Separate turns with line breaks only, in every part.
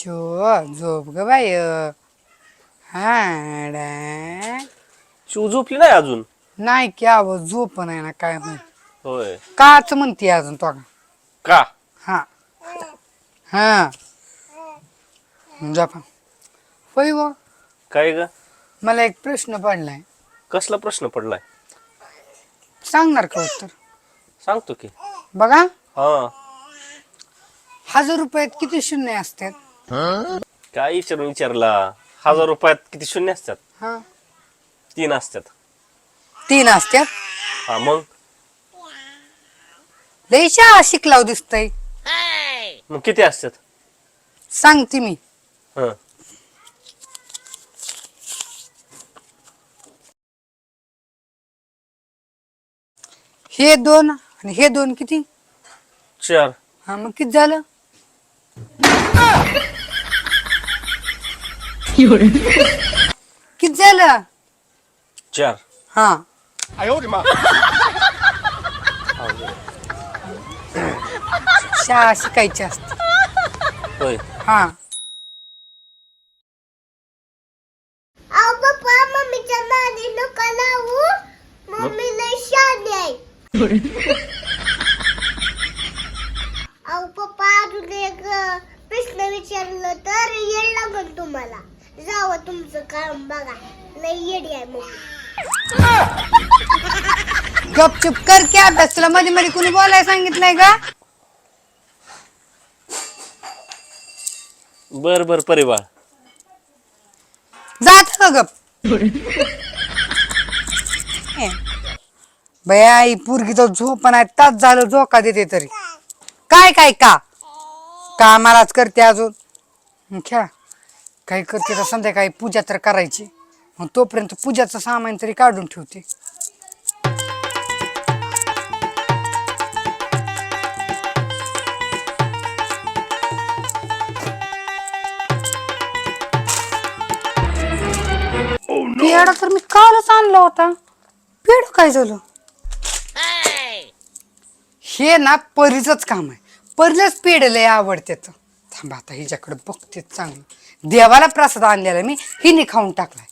चो झोप ग बाय. हा
शिव झोपली नाही अजून.
नाही की आवाज झोप नाही ना काय माहिती
होय
काच म्हणते अजून तो.
का?
हा हा जपा होय ग.
काय ग?
मला एक प्रश्न पडलाय.
कसला प्रश्न पडलाय?
सांगणार का उत्तर?
सांगतो की.
बघा,
हा
1000 रुपयात किती शून्य असतात?
काय विचारला? 1000 रुपयात किती शून्य असतात?
हा
3 असतात.
3 असतात.
हा मग
लय शाळा शिकलाव दिसतय.
मग किती असतात?
सांगते मी.
हा
हे 2 आणि हे 2 किती?
4.
हा मग किती झालं? किती झालं?
4.
हा शाळा शिकायची असते.
होय.
हा
अहो पप्पा मम्मीच्या नादी नका लावू. मम्मी लय शहाणी आहे. अहो पप्पा अजून एक प्रश्न विचारलं तर येड लागल तुम्हाला. जावं तुमचं काम बघा. लय येडी आहे मम्मी.
गपचूप कर की अभ्यास. तुला मध्ये मध्ये कुणी बोलायला सांगितलंय का?
बर बर परिवार.
जात का गप. बया आई पोरगी तर झोप नाही. तास झालं झोका देते तरी. काय काय का मलाच करते अजून. खेळा काय करते तर संध्याकाळी पूजा तर करायची. मग तोपर्यंत पूजाचं सामान तरी काढून ठेवते. पेढा तर मी कालच आणला होता. पेढ काय झालं? हे ना परीचंच काम आहे. परीलाच पेढ लय आवडते. थांबा आता हिच्याकडे बघते चांगलं. देवाला प्रसाद आणलेला मी हिने खाऊन टाकलाय.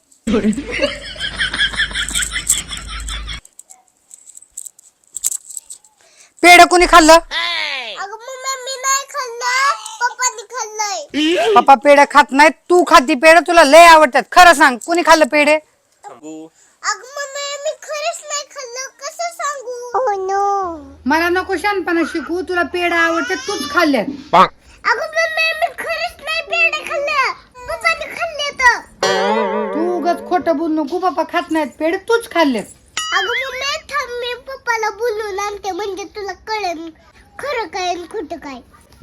पेढ कोणी खाल्लं?
अगं मम्मी मी नाही खाल्लं. पप्पानी खाल्लंय.
पप्पा पेढ खात नाही. तू खाती पेढ. तुला लय आवडतात. खरं सांग कोणी खाल्लं पेढे?
सांगू.
अगं मम्मी मी खरंच नाही खाल्लं. कसं सांगू? Oh no.
मला नको शहाणपणा शिकू. तुला पेढ आवडते तूच खाल्ल्यात.
अगं मम्मी मी खरंच नाही पेढे खाल्लं. पप्पानी खाल्ले तर.
तू उगाच खोटं बोल नको. पप्पा खात नाहीत पेढ तूच खाल्लेत.
अगं मम्मी थांब मी पप्पाला बोलून आणते म्हणजे तुला कळेल खरं काय आणि खोटं काय.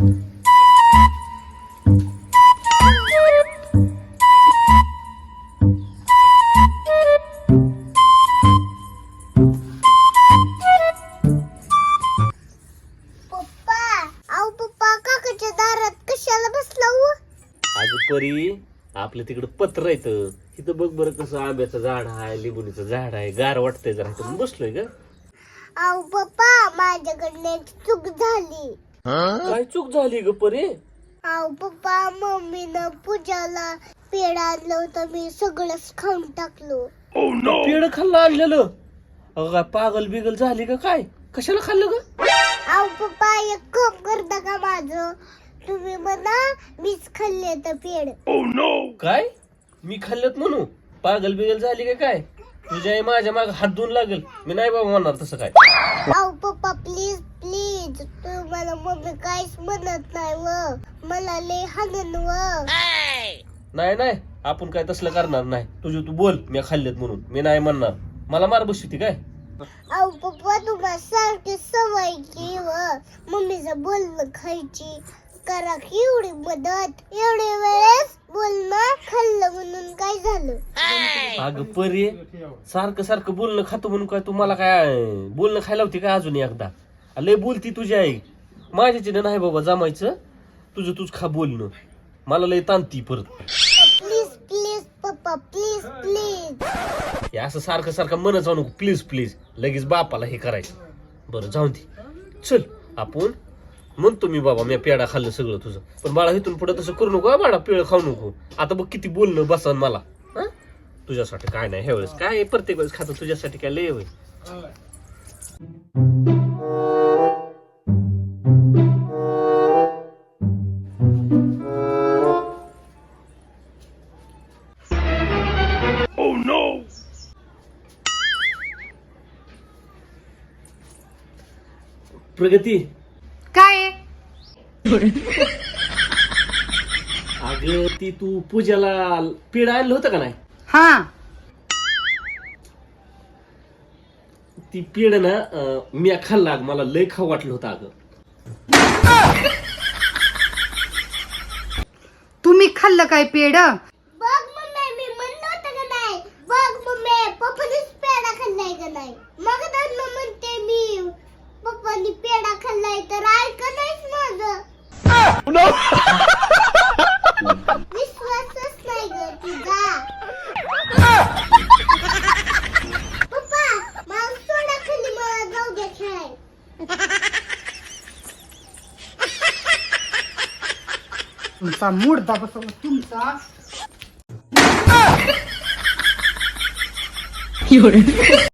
पप्पा अहो पप्पा काकाच्या दारात कशाला बसला हो?
अगं परी आपल्या तिकडं पत्र येतं. इथं बघ बरं कसं आंब्याचं झाड आहे, लिंबुनीचं झाड आहे. गार वाटतंय जरा. इथं बसलोय ग.
अहो पप्पा माझ्याकडनं एक चूक झाली.
काय चूक झाली ग परी?
अहो पप्पा मम्मीनं पूजाला पेढ आणलं होतं. मी सगळंच खाऊन टाकलो.
पेढ खाल्लं आणलेलं? अगं काय पागल बिगल झाली का काय? कशाला खाल्लं ग?
अहो पप्पा एक कप करता का माझं? तुम्ही म्हणा मीच खाल्ले तर पेढ.
काय? मी खाल्लत म्हणू? पागल बिगल झाली का काय? तुझ्या आई माझ्या माग हात धुवून लागेल. मी नाही बाबा म्हणणार तसं काय.
अहो पप्पा प्लीज प्लीज तुम्हाला मम्मी काहीच म्हणत नाही व मला लय हाणन व.
नाही नाही आपण काय तसलं करणार नाही. तुझं तू बोल मी खाल्लेत म्हणून. मी नाही म्हणणार. मला मार बसती काय?
अहो पप्पा तुम्हाला सारखी सवय की व मम्मीचं बोलणं खायची. करा की एवढी मदत. एवढ्या वेळेस बोलणं खाल्लं म्हणून काय झालं?
अगं परी सारखं सारखं बोलणं खातो म्हणून काय तू मला काय बोलणं खायला होती काय अजून एकदा? लय बोलती तुझी आई. माझ्याच्याने नाही बाबा जमायचं. तुझं तूच खा बोलणं. मला लय ताणती परत.
प्लीज प्लीज पप्पा प्लीज प्लीज.
हे असं सारखं सारखं म्हणत जाऊ नको. प्लीज प्लीज लगेच बापाला हे करायचं. बरं जाऊ दे. चल आपण म्हणतो मी बाबा मी पेढा खाल्लं सगळं तुझं, पण बाळा इथून पुढे तसं करू नको बाळा, पेळ खाऊ नको. आता बघ किती बोलणं बसन मला. हा तुझ्यासाठी काय नाही ह्या वेळेस, काय प्रत्येक वेळेस खातो तुझ्यासाठी काय लय होय. प्रगती
काय
अगं ती तू पूजाला पेढा आणलं होतं का नाही,
हा
ती पेढ ना मी खाल्ला, मला लय खाऊ वाटलं होतं अगं.
तुम्ही खाल्लं काय पेड?
बघ मम्मी मी म्हणलं होतं का नाही, बघ मम्मी पप्पानीच पेढा खाल्लाय का नाही. मग धरणं म्हणते मी पप्पानी पेढा खाल्लाय तर ऐक नाहीच माझं. विश्वासच नाही ग तुझा. पप्पा मला सोडा खाली, मला जाऊ द्या खेळाय.
तुमचा मुडदा बसवला तुमचा.